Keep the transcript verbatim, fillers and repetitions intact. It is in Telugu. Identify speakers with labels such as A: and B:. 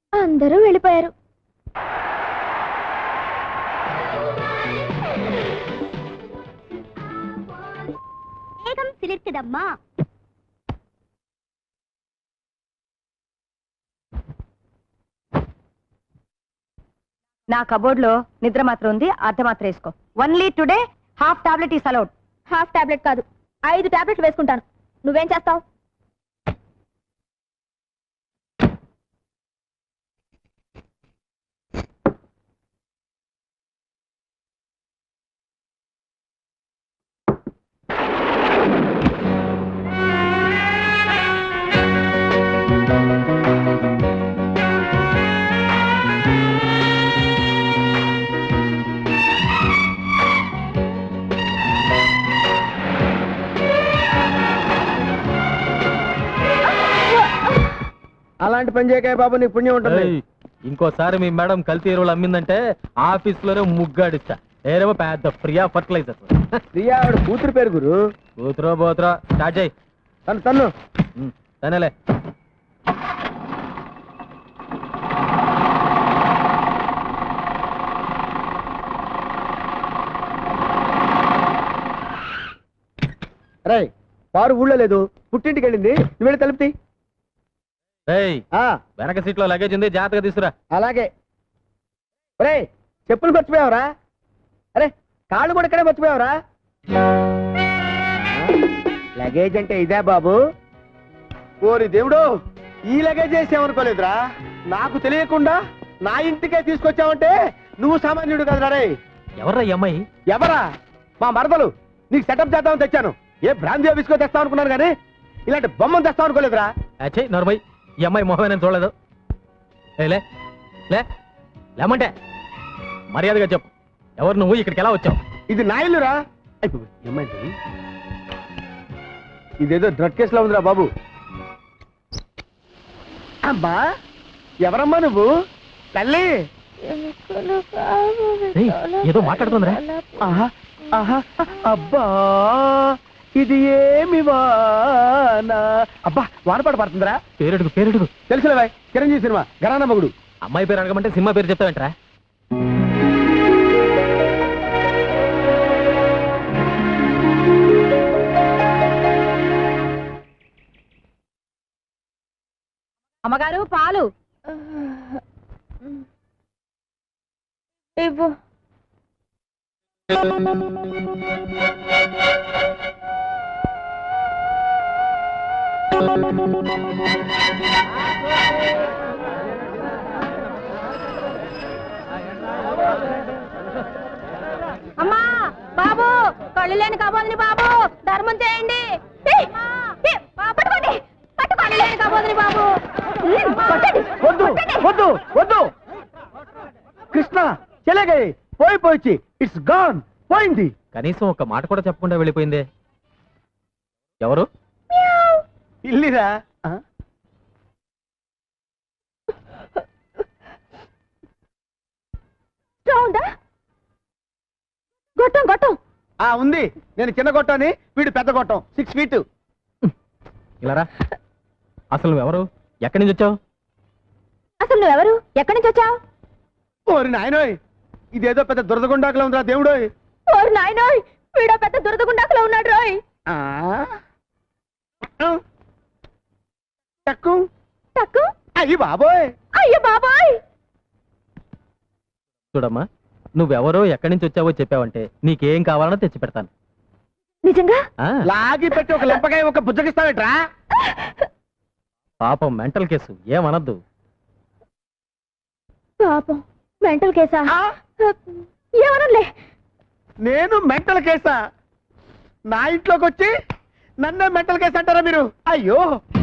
A: అందరూ వెళ్ళిపోయారు.
B: వేగం సిలిర్కుదమ్మా.
A: నా కబోర్డ్ లో నిద్ర మాత్రం ఉంది, అర్ధ మాత్రం వేసుకో. Only today half tablet is allowed. Half tablet కాదు, ఐదు టాబ్లెట్లు వేసుకుంటాను. నువ్వేం చేస్తావు?
C: అలాంటి పని చేయకాయ బాబు, నీకు పుణ్యం ఉంటుంది.
D: ఇంకోసారి మీ మేడం కల్తీ ఎరువులు అమ్మిందంటే ఆఫీస్ లోనే ముగ్గాడిస్తా. ఏరేమో పెద్ద ప్రియా ఫర్టిలైజర్.
C: ప్రియా ఆవిడ కూతురు పేరు గురు.
D: కూతురో బోతురో స్టార్ట్ చేయి.
C: తను తన్ను
D: తనేలే.
C: రే పారు ఊళ్ళో లేదు, పుట్టింటికి వెళ్ళింది. నువ్వు వెళ్ళి తలుపుతి.
D: వెనక సీట్ లో లగేజ్ ఉంది, జాగ్రత్తగా తీసుకురా.
C: అలాగే. రే చెప్పులు మర్చిపోయావరా? అరే కాళ్ళు కూడా ఇక్కడే మర్చిపోయావరా? లగేజ్ అంటే ఇదే బాబు. ఓరి దేవుడు, ఈ లగేజ్ చేసామనుకోలేదురా. నాకు తెలియకుండా నా ఇంటికే తీసుకొచ్చావంటే నువ్వు సామాన్యుడు కదరా. రే
D: ఎవర్రా ఈ అమ్మాయి?
C: ఎవరా? మా మరదలు. నీకు సెటప్ చేద్దామని తెచ్చాను. ఏ బ్రాంతి ఆఫీస్కో తెస్తావు అనుకున్నాను కానీ ఇలాంటి బొమ్మను తెస్తావు అనుకోలేదురా.
D: అచ్చే నర్మయ్, ఈ అమ్మాయి మొహమే నేను చూడలేదు. లే లే లేమంటే మర్యాదగా చెప్పు, ఎవరు నువ్వు, ఇక్కడికి ఎలా వచ్చావు?
C: ఇది నా ఇల్లురా. ఏమైంది? ఇదేదో డ్రగ్ కేసులో ఉందిరా బాబు. అమ్మా ఎవరమ్మా నువ్వు? తల్లి
D: ఏదో మాట్లాడుతుందిరా.
C: అబ్బా ఇది ఏమి వానా. అబ్బా వానపాట పడుతుందిరా.
D: పేరెడుగు పేరెడుగు
C: తెలుసులే బాయ్, చిరంజీవి సినిమా గరానా మగుడు.
D: అమ్మాయి పేరు అడగమంటే సినిమా పేరు చెప్తావేంట్రా?
A: అమ్మగారు పాలు ఇవ్వు. అమ్మా బాబు, కళ్ళు లేని కబోదిని బాబు, ధర్మం చేయండి. పట్టుకోండి పట్టుకోండి, లేని కబోదిని బాబు.
C: వద్దు వద్దు వద్దు కృష్ణ, చెలగే పోయి పోయి ఇట్స్ గాన్, పోయింది.
D: కనీసం ఒక మాట కూడా చెప్పకుండా వెళ్ళిపోయిందే. ఎవరు?
C: ఇల్లిరా.
A: గొట్టం గొట్టం
C: ఆ ఉంది. నేను చిన్న గొట్టాన్ని, వీడు పెద్ద గొట్టం, సిక్స్ ఫీట్.
D: ఇలారా. అసలు నువ్వెవరు, ఎక్కడి నుంచి వచ్చావు?
A: అసలు నువ్వెవరు, ఎక్కడి నుంచి వచ్చావు?
C: ఓరి నాయనోయ్, ఇదేదో పెద్ద దురదగుండాకులో ఉందిరా దేవుడోయ్.
A: ఓరి నాయనోయ్, వీడో పెద్ద దురదగుండాకులో ఉన్నాడు రోయ్.
C: టక్కు
A: టక్కు.
C: అయ్యి బాబోయ్,
A: అయ్యో బాబోయ్.
D: చూడమ్మా, నువ్వెవరో ఎక్కడి నుంచి వచ్చావో చెప్పావంటే నీకేం కావాలనో తెచ్చి పెడతాను.
A: నిజంగా?
C: లాగి పెట్టి ఒక లెంపకాయ ఒక బుజ్జగిస్తావేట్రా?
D: పాపం మెంటల్ కేసు, ఏమనద్దు.
A: పాపం మెంటల్ కేసా? ఏమనలే.
C: నేను మెంటల్ కేసా? నా ఇంట్లోకి వచ్చి నన్నే మెంటల్ కేసు అంటారా మీరు? అయ్యో